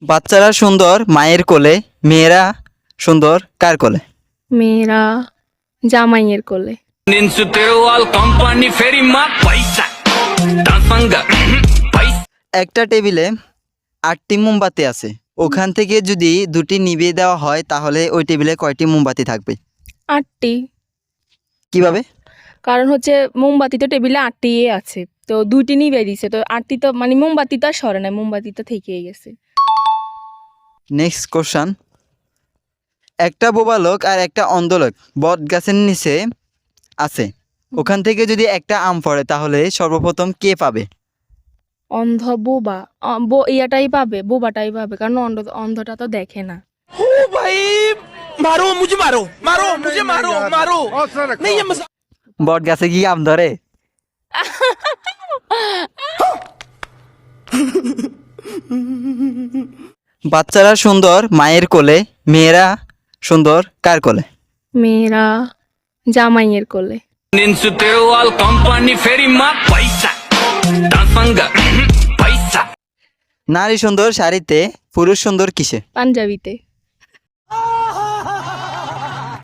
বাচ্চারা সুন্দর মায়ের কোলে, মেয়েরা সুন্দর কার কোলে? মেয়েরা জামাইয়ের কোলে। একটা টেবিলে 8টি মোমবাতি আছে, ওখান থেকে যদি 2টি নিভিয়ে দেওয়া হয় তাহলে ওই টেবিলে কয়টি মোমবাতি থাকবে? 8টি। কিভাবে? কারণ হচ্ছে মোমবাতি তো টেবিলে 8টি আছে, তো 2টি নিভে দিছে, তো 8টি তো মানে মোমবাতি তো আর সরে নাই, মোমবাতি তো থেকেই গেছে। নেক্সট কোশ্চান, একটা বোবা লোক আর একটা অন্ধ লোক বট গাছের নিচে আছে, ওখান থেকে যদি একটা আম পড়ে তাহলে সর্বপ্রথম কে পাবে? অন্ধ বোবা ইয়াটাই পাবে, বোবাটাই পাবে, কারণ অন্ধটা তো দেখে না। বট গাছে কি আম ধরে? বাচ্চারা সুন্দর মায়ের কোলে, মেয়েরা সুন্দর কার কোলে? মেয়েরা জামাইয়ের কোলে। নারী সুন্দর শাড়িতে, পুরুষ সুন্দর কিসে? পাঞ্জাবিতে।